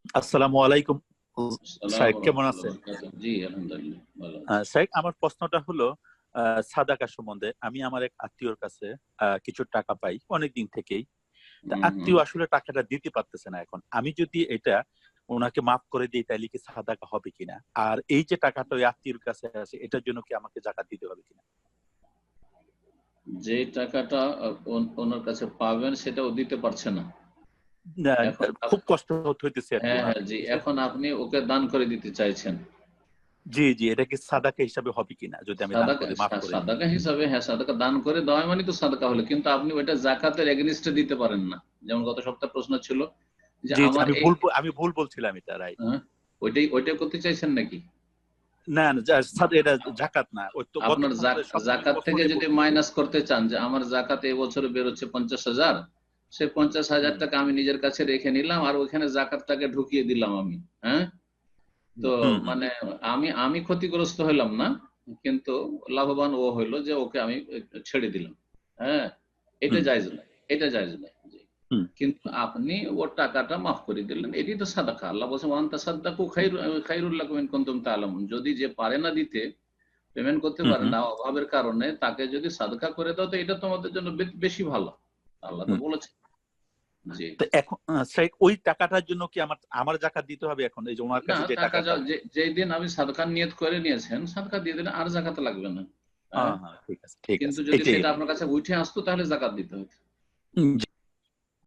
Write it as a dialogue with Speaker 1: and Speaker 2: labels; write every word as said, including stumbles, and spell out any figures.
Speaker 1: আসসালামু আলাইকুম
Speaker 2: আসসালামু
Speaker 1: শাইখ, কেমন
Speaker 2: রাহমাতুল্লাহি ওয়া
Speaker 1: আছেন?
Speaker 2: বারাকাতুহু। জি আলহামদুলিল্লাহ ভালো আছি।
Speaker 1: আহ, শাইখ, আমার প্রশ্নটা হলো আহ, সাদাকা সম্বন্ধে। আমি আমার এক আত্মীয়র কাছে আহ, কিছু টাকা পাই অনেক দিন থেকেই। তা
Speaker 2: হুম হুম।
Speaker 1: আত্মীয় আসলে টাকাটা দিতে পারতেছে না এখন। আমি যদি এটা ওনাকে মাফ করে দিই তাহলে কি সাদাকা হবে কিনা? আর এই যে টাকাটা ওই আত্মীয়র কাছে আছে, এটার জন্য কি আমাকে জাকাত দিতে হবে কিনা?
Speaker 2: যে টাকাটা আহ, ওন- ওনার কাছে পাবেন সেটাও দিতে পারছে না
Speaker 1: না,
Speaker 2: এখন
Speaker 1: খুব
Speaker 2: আপ-
Speaker 1: কষ্ট হইতেছে আর কি
Speaker 2: হ্যাঁ
Speaker 1: ওনার
Speaker 2: হ্যাঁ জি,
Speaker 1: কাছে।
Speaker 2: এখন আপনি ওকে দান করে দিতে চাইছেন।
Speaker 1: জি জি, এটা কি সাদাকা হিসাবে হবে কিনা যদি আমি দান
Speaker 2: সাদাকা
Speaker 1: করে মাফ
Speaker 2: সা-
Speaker 1: করে দিই?
Speaker 2: সাদাকা হিসাবে, হ্যাঁ সাদাকা দান করে দেওয়া মানে তো সাদাকা হলো, কিন্তু আপনি ওইটা জাকাতের এগেনিস্টে দিতে পারেন না। যেমন গত সপ্তাহে প্রশ্ন ছিল যে
Speaker 1: জি জি,
Speaker 2: আমার
Speaker 1: আমি
Speaker 2: এই,
Speaker 1: ভুল আমি ভুল বলছিলাম, এটা রাইট।
Speaker 2: হ্যাঁ, ওইটাই ওইটাই করতে চাইছেন নাকি?
Speaker 1: না না, যা- সাদ- এটা জাকাত না, ওই তো গত
Speaker 2: আপনার জাক-
Speaker 1: সপ্তাহে সবচেয়ে
Speaker 2: জাকাত থেকে
Speaker 1: প্রথমটাই
Speaker 2: যদি
Speaker 1: বলতেছি।
Speaker 2: মাইনাস করতে চান যে আমার জাকাত এবছরে বেরোচ্ছে পঞ্চাশ হাজার, সে পঞ্চাশ হাজার
Speaker 1: হুম
Speaker 2: টাকা আমি নিজের কাছে রেখে নিলাম আর ওইখানে জাকাতটাকে ঢুকিয়ে দিলাম আমি। হ্যাঁ, তো
Speaker 1: হুম হুম
Speaker 2: মানে আমি আমি ক্ষতিগ্রস্ত হইলাম না, কিন্তু লাভবান ও হইলো যে ওকে আমি ছেড়ে দিলাম। হ্যাঁ, এটা
Speaker 1: হুম
Speaker 2: জায়েজ না, এটা জায়েজ না। জি।
Speaker 1: হুম
Speaker 2: কিন্তু আপনি ওর টাকাটা মাফ করে দিলেন, এটি তো সাদাকা। আল্লাহ বলছেন ওয়ান তাসাদ্দাকু খায়রু খায়রুল লাকুম ইন কুনতুম তা'লামুন। যদি যে পারে না দিতে, পেমেন্ট করতে
Speaker 1: হুম
Speaker 2: পারে
Speaker 1: হুম
Speaker 2: না অভাবের কারণে, তাকে যদি সাদকা করে দাও তো এটা তোমাদের জন্য বে- বেশি ভালো। আল্লাহ তো
Speaker 1: হুম।
Speaker 2: বলেছে। জি।
Speaker 1: তো এখন আহ, সেই ওই টাকাটার জন্য কি আমার আমার জাকাত দিতে হবে এখন, এই যে ওনার
Speaker 2: না,
Speaker 1: কাছে যে
Speaker 2: টাকা
Speaker 1: টাকাটা?
Speaker 2: যা- যে যেই দিন আমি সাদকার নিয়ত করে নিয়েছেন সাদকা দিয়ে দিলে আর জাকাত লাগবে না। হ্যাঁ,
Speaker 1: হ্যাঁ হ্যাঁ, ঠিক আছে ঠিক
Speaker 2: কিন্তু
Speaker 1: আছে,
Speaker 2: যদি
Speaker 1: এটাই।
Speaker 2: সেটা আপনার কাছে উঠে আসতো তাহলে জাকাত দিতে হতো।
Speaker 1: হুম,